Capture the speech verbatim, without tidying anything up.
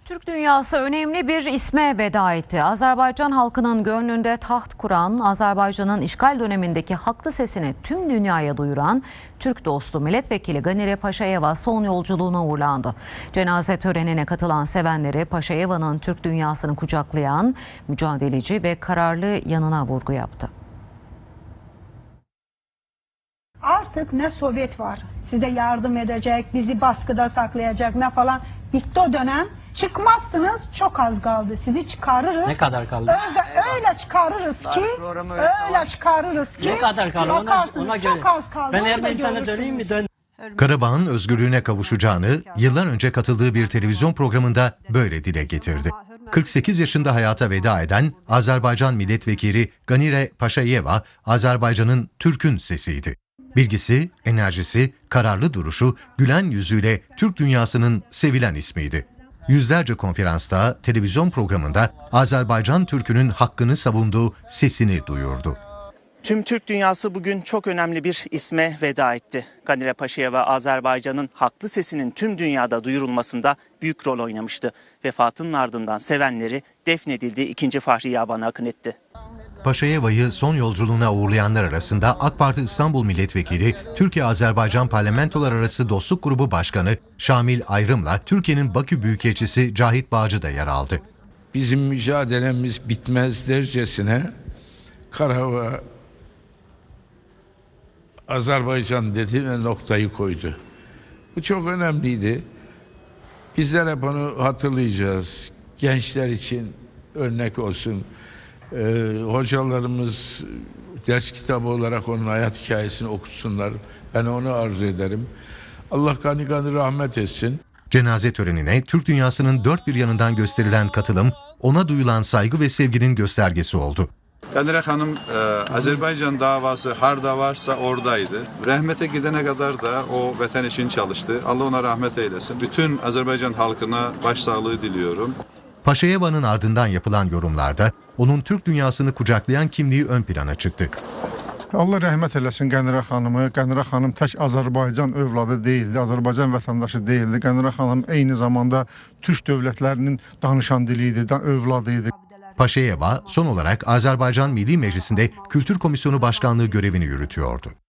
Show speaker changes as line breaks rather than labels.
Türk dünyası önemli bir isme veda etti. Azerbaycan halkının gönlünde taht kuran, Azerbaycan'ın işgal dönemindeki haklı sesini tüm dünyaya duyuran Türk dostu milletvekili Ganire Paşayeva son yolculuğuna uğurlandı. Cenaze törenine katılan sevenleri Paşayeva'nın Türk dünyasını kucaklayan mücadeleci ve kararlı yanına vurgu yaptı.
Artık ne Sovyet var, size yardım edecek, bizi baskıda saklayacak ne falan. Bitti o dönem. Çıkmazsınız, çok az kaldı. Sizi çıkarırız.
Ne kadar kaldı?
Öyle, öyle çıkarırız ki, öyle çıkarırız ki.
Ne kadar kaldı? Ona, ona göre.
Çok az kaldı.
Ben
onu da
Ermenistan'a döneyim mi? Dön.
Karabağ'ın özgürlüğüne kavuşacağını yıllar önce katıldığı bir televizyon programında böyle dile getirdi. kırk sekiz yaşında hayata veda eden Azerbaycan milletvekili Ganire Paşayeva, Azerbaycan'ın Türk'ün sesiydi. Bilgisi, enerjisi, kararlı duruşu, gülen yüzüyle Türk dünyasının sevilen ismiydi. Yüzlerce konferansta, televizyon programında Azerbaycan Türk'ünün hakkını savunduğu sesini duyurdu.
Tüm Türk dünyası bugün çok önemli bir isme veda etti. Ganire Paşayeva Azerbaycan'ın haklı sesinin tüm dünyada duyurulmasında büyük rol oynamıştı. Vefatının ardından sevenleri defnedildiği ikinci Fahri Yaban'a akın etti.
Paşayeva'yı son yolculuğuna uğurlayanlar arasında AK Parti İstanbul Milletvekili, Türkiye-Azerbaycan Parlamentolar Arası Dostluk Grubu Başkanı Şamil Ayrım'la Türkiye'nin Bakü Büyükelçisi Cahit Bağcı da yer aldı.
Bizim mücadelemiz bitmez dercesine Karabağ Azerbaycan dedi ve noktayı koydu. Bu çok önemliydi. Bizler hep onu hatırlayacağız. Gençler için örnek olsun. Ee, hocalarımız ders kitabı olarak onun hayat hikayesini okutsunlar. Ben onu arzu ederim. Allah gani gani rahmet etsin.
Cenaze törenine Türk dünyasının dört bir yanından gösterilen katılım, ona duyulan saygı ve sevginin göstergesi oldu.
Ganire Hanım e, Azerbaycan davası harda varsa oradaydı. Rahmete gidene kadar da o vatan için çalıştı. Allah ona rahmet eylesin. Bütün Azerbaycan halkına başsağlığı diliyorum.
Paşayeva'nın ardından yapılan yorumlarda onun Türk dünyasını kucaklayan kimliği ön plana çıktı.
Allah rəhmət eləsin Ganire Hanımı. Ganire Hanım tək Azərbaycan övladı değildi, Azərbaycan vətəndaşı değildi. Ganire Hanım eyni zamanda Türk dövlətlərinin danışan diliydi, övladıydı.
Paşayeva son olarak Azerbaycan Milli Meclisi'nde Kültür Komisyonu Başkanlığı görevini yürütüyordu.